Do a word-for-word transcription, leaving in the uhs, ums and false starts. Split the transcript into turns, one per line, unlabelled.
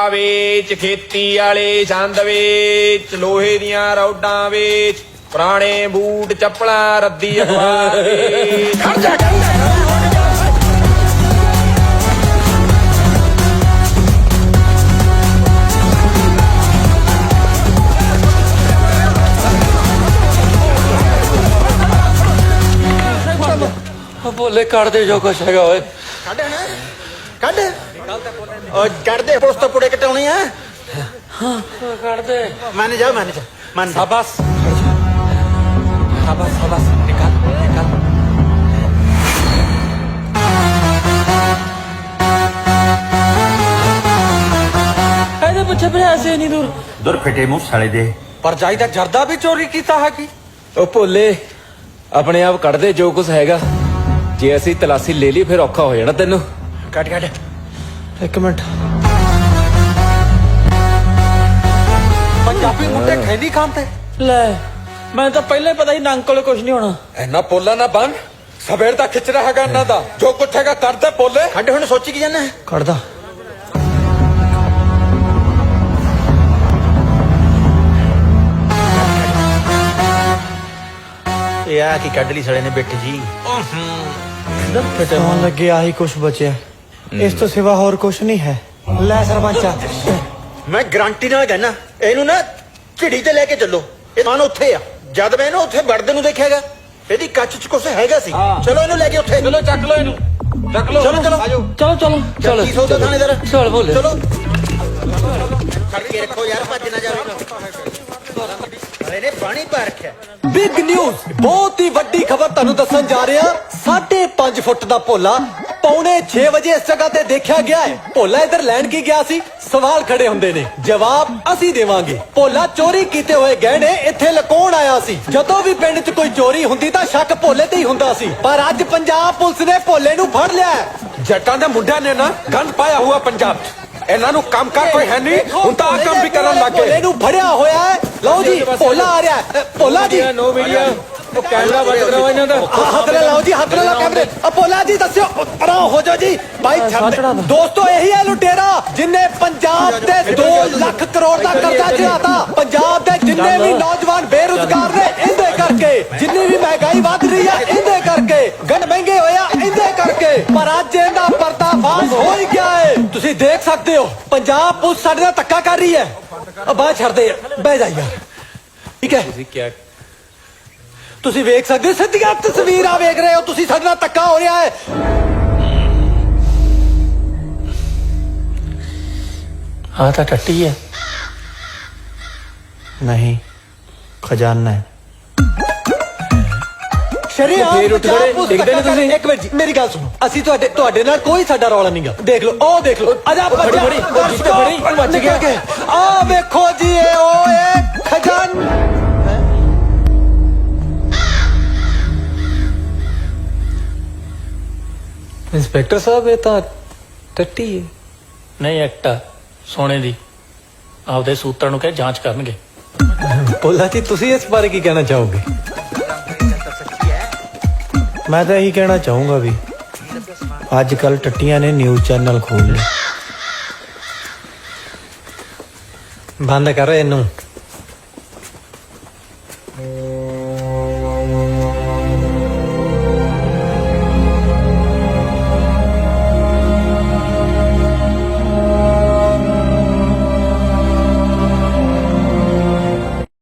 ਵੇਚ, ਖੇਤੀ ਵਾਲੇ ਛੰਦ ਵੇਚ, ਲੋਹੇ ਦੀਆਂ ਰੌਡਾਂ ਵੇਚ, ਪੁਰਾਣੇ ਬੂਟ ਚੱਪਲਾਂ ਰੱਦੀ ਅਖਬਾਰ ਵੇਚ। ਖੜ ਜਾ ਖੜ ਜਾ
ਭੋਲੇ ਕੱਢ ਦੇ ਜੋ ਕੁਛ ਹੈਗਾ ਓਏ।
ਕੱਢ ਨਾ ਕੱਢ ਓ ਕੱਢ ਦੇ ਪੁਲਿਸ ਤੋਂ ਪੁੜੇ ਕਟਾਉਣੀ ਆ।
ਹਾਂ ਕੱਢ ਦੇ।
ਮੰਨ ਜਾ ਮੰਨ ਜਾ ਮੰਨ ਜਾ।
शाबाश शाबाश शाबाश निकाल निकाल। ਇਹਦੇ ਪਿੱਛੇ ਫਿਰ ਐਸੇ ਨਹੀਂ ਦੂਰ
ਦੁਰ ਫਿੱਟੇ ਮੂੰਹ ਸਾਲੇ ਦੇ।
ਪਰ ਜਾਈ ਦਾ ਜਰਦਾ ਵੀ ਚੋਰੀ ਕੀਤਾ ਹੈ ਕੀ?
ਉਹ ਭੋਲੇ ਆਪਣੇ ਆਪ ਕੱਢ ਦੇ ਜੋ ਕੁਛ ਹੈਗਾ। ਜੇ ਅਸੀਂ ਤਲਾਸ਼ੀ ਲੈ ਲਈ ਫਿਰ ਔਖਾ ਹੋ ਜਾਣਾ ਤੈਨੂੰ।
ਕੱਢ ਕੱਢ
ਇੱਕ ਮਿੰਟ।
ਪੰਜਾਬੀ ਮੁੰਡੇ ਖੈਨੀ ਖਾਂਦੇ ਲੈ। ਮੈਂ ਤਾਂ ਪਹਿਲੇ ਪਤਾ ਹੀ ਨੰਗ ਕੋਲੇ ਕੁਝ ਨਹੀਂ ਹੋਣਾ।
ਇੰਨਾ ਪੋਲਾ ਨਾ ਬਣ। ਸਵੇਰ ਦਾ ਖਿੱਚ ਰਿਹਾ ਹੈਗਾ ਇਹਨਾਂ ਦਾ। ਜੋ ਕੁਛ ਹੈਗਾ ਕਰਦੇ ਪੋਲੇ।
ਕੱਢ ਹੁਣ ਸੋਚੀ ਕੀ ਜਾਨਾ
ਕੱਢਦਾ।
ਇਹ ਆ ਕੀ ਕੱਢ ਲਈ ਸਾਲੇ ਨੇ ਬਿੱਟ ਜੀ।
ਸੌਣ ਲੱਗੇ ਆਹੀ ਕੁਛ ਬਚਿਆ। ਇਸ ਤੋਂ ਸਿਵਾ ਹੋਰ ਕੁਛ ਨਹੀਂ ਹੈ। ਲੈ ਸਰਪੰਚਾ
ਮੈਂ ਗਰੰਟੀ ਨਾਲ ਕਹਿਣਾ ਇਹਨੂੰ ਨਾ ਝਿੜੀ ਤੇ ਲੈ ਕੇ ਚੱਲੋ। ਇਹ ਮਾਨ ਉੱਥੇ ਆ। ਜਦ ਮੈਂ ਇਹਨੂੰ ਉੱਥੇ ਵੜਦੇ ਨੂੰ ਦੇਖਿਆਗਾ ਇਹਦੀ ਕੱਚ ਚ ਕੁਛ ਹੈਗਾ ਸੀ। ਚਲੋ ਇਹਨੂੰ ਲੈ ਕੇ ਉੱਥੇ।
ਚਲੋ ਚੱਕ ਲੋ ਇਹਨੂੰ ਚੱਕ ਲੋ।
ਚਲੋ ਚਲੋ
ਚਲੋ ਚਲੋ ਚਲੋ
ਕੀ ਸੌਦਾ ਥਾਣੇਦਾਰ।
ਚਲ ਭੋਲੇ
ਚਲੋ ਫੜ ਕੇ ਰੱਖੋ ਯਾਰ ਭੱਜ ਨਾ ਜਾਵੇ। ਸਾਲੇ ਨੇ ਪਾਣੀ ਪਾ ਰੱਖਿਆ।
ਬਿਗ ਨਿਊਜ਼ ਬਹੁਤ ਹੀ ਵੱਡੀ ਖਬਰ ਤੁਹਾਨੂੰ ਦੱਸਣ ਜਾ ਰਿਹਾ। ਸਾਢੇ ਪੰਜ ਫੁੱਟ ਦਾ ਭੋਲਾ ਪੌਣੇ ਛੇ ਵਜੇ ਇਸ ਜਗ੍ਹਾ ਤੇ ਦੇਖਿਆ ਗਿਆ ਹੈ। ਭੋਲਾ ਇੱਧਰ ਲੈਣ ਕੀ ਗਿਆ ਸੀ? ਸਵਾਲ ਖੜੇ ਹੁੰਦੇ ਨੇ, ਜਵਾਬ ਅਸੀਂ ਦੇਵਾਂਗੇ। ਭੋਲਾ ਚੋਰੀ ਕੀਤੇ ਹੋਏ ਗਹਿਣੇ ਇੱਥੇ ਲੁਕਾਉਣ ਆਇਆ ਸੀ। ਜਦੋਂ ਵੀ ਪਿੰਡ 'ਚ ਕੋਈ ਚੋਰੀ ਹੁੰਦੀ ਤਾਂ ਸ਼ੱਕ ਭੋਲੇ ਤੇ ਹੀ ਹੁੰਦਾ ਸੀ। ਪਰ ਅੱਜ ਪੰਜਾਬ ਪੁਲਿਸ ਨੇ ਭੋਲੇ ਨੂੰ ਫੜ ਲਿਆ।
ਜੱਟਾਂ ਦੇ ਮੁੰਡਿਆਂ ਨੇ ਨਾ ਗੰਦ ਪਾਇਆ ਹੋਇਆ ਪੰਜਾਬ 'ਚ। ਇਹਨਾਂ ਨੂੰ ਕੰਮ ਕਰ ਕੋਈ ਹੈ ਨਹੀਂ। ਹੁਣ ਤਾਂ ਆ ਕੰਮ ਵੀ ਕਰਨ ਲੱਗੇ।
ਭੋਲੇ ਨੂੰ ਫੜਿਆ ਹੋਇਆ ਹੈ। ਲਓ ਜੀ ਭੋਲਾ ਆ ਰਿਹਾ ਹੈ। ਭੋਲਾ ਜੀ
ਨੋ ਮੀਡੀਆ ਉਹ ਕੈਮਰਾ ਬੰਦ ਕਰਾਓ ਇਹਨਾਂ ਦਾ।
ਹੱਥ ਨਾਲ ਲਾਓ ਜੀ, ਹੱਥ ਨਾਲ ਲਾਓ ਕੈਮਰੇ। ਅਪੋਲਾ ਜੀ ਦੱਸਿਓ ਪਰਾਂ ਹੋ ਜਾਓ ਜੀ। ਭਾਈ ਛੱਡ। ਦੋਸਤੋ ਇਹੀ ਹੈ ਲੁਟੇਰਾ ਜਿਨੇ ਪੰਜਾਬ ਤੇ ਦੋ ਲੱਖ ਕਰੋੜ ਦਾ ਕਰਜ਼ਾ ਚੜਾਤਾ। ਪੰਜਾਬ ਦੇ ਜਿੰਨੇ ਵੀ ਨੌਜਵਾਨ ਬੇਰੁਜ਼ਗਾਰ ਨੇ ਇਹਦੇ ਕਰਕੇ, ਜਿੰਨੀ ਵੀ ਮਹਿੰਗਾਈ ਵੱਧ ਰਹੀ ਹੈ ਇਹਦੇ ਕਰਕੇ, ਗੰਢ ਮਹਿੰਗੇ ਹੋਇਆ ਇਹਦੇ ਕਰਕੇ। ਪਰ ਅੱਜ ਇਹਦਾ ਪਰਦਾਫਾਸ਼ ਹੋ ਹੀ ਗਿਆ ਹੈ। ਤੁਸੀਂ ਦੇਖ ਸਕਦੇ ਹੋ ਪੰਜਾਬ ਪੁਲਿਸ ਸਾਡੇ ਨਾਲ ਧੱਕਾ ਕਰ ਰਹੀ ਹੈ। ਬਾਹਰ ਛੱਡਦੇ ਬਹਿ ਜਾ ਯਾਰ। ਠੀਕ ਹੈ
ਤੁਸੀਂ ਕੀ
ਤੁਸੀਂ ਵੇਖ ਸਕਦੇ ਹੋ ਸਿੱਧੀਆਂ ਤਸਵੀਰਾਂ ਵੇਖ ਰਹੇ ਹੋ ਤੁਸੀਂ। ਸਾਡੇ ਨਾਲ ਧੱਕਾ ਹੋ ਰਿਹਾ ਹੈ।
ਆ ਤਾਂ ਟੱਟੀ ਹੈ।
ਨਹੀਂ ਖਜ਼ਾਨਾ ਹੈ।
ਸ਼ਰੀਆਮ
ਫੇਰ ਉੱਠ ਖੜੇ, ਦਿਖਦੇ ਨੀ ਤੁਸੀਂ?
ਇੱਕ ਮਿੰਟ ਜੀ ਮੇਰੀ ਗੱਲ ਸੁਣੋ। ਅਸੀਂ ਤੁਹਾਡੇ ਤੁਹਾਡੇ ਨਾਲ ਕੋਈ ਸਾਡਾ ਰੌਲਾ ਨਹੀਂਗਾ। ਦੇਖ ਲਓ ਉਹ ਦੇਖ ਲਓ। ਅਜਾ
ਫੜੀ, ਫੜੀ, ਫੜੀ, ਵੱਜ ਗਿਆ।
ਆ ਵੇਖੋ ਜੀ ਇਹ ਉਹ ਇਹ ਖਜ਼ਾਨਾ।
ਇੰਸਪੈਕਟਰ ਸਾਹਿਬ ਇਹ ਤਾਂ ਟੱਟੀ ਹੈ। ਨਹੀਂ ਐਕਟਾ ਸੋਨੇ ਦੀ। ਆਪਦੇ ਸੂਤਰਾਂ ਨੂੰ ਕਹੇ ਜਾਂਚ ਕਰਨਗੇ।
ਭੋਲਾ ਜੀ ਤੁਸੀਂ ਇਸ ਬਾਰੇ ਕੀ ਕਹਿਣਾ ਚਾਹੋਗੇ? ਮੈਂ ਤਾਂ ਇਹੀ ਕਹਿਣਾ ਚਾਹੂੰਗਾ ਵੀ ਅੱਜ ਕੱਲ ਟੱਟੀਆਂ ਨੇ ਨਿਊਜ਼ ਚੈਨਲ ਖੋਲ ਲਏ। ਬੰਦ ਕਰ ਇਹਨੂੰ।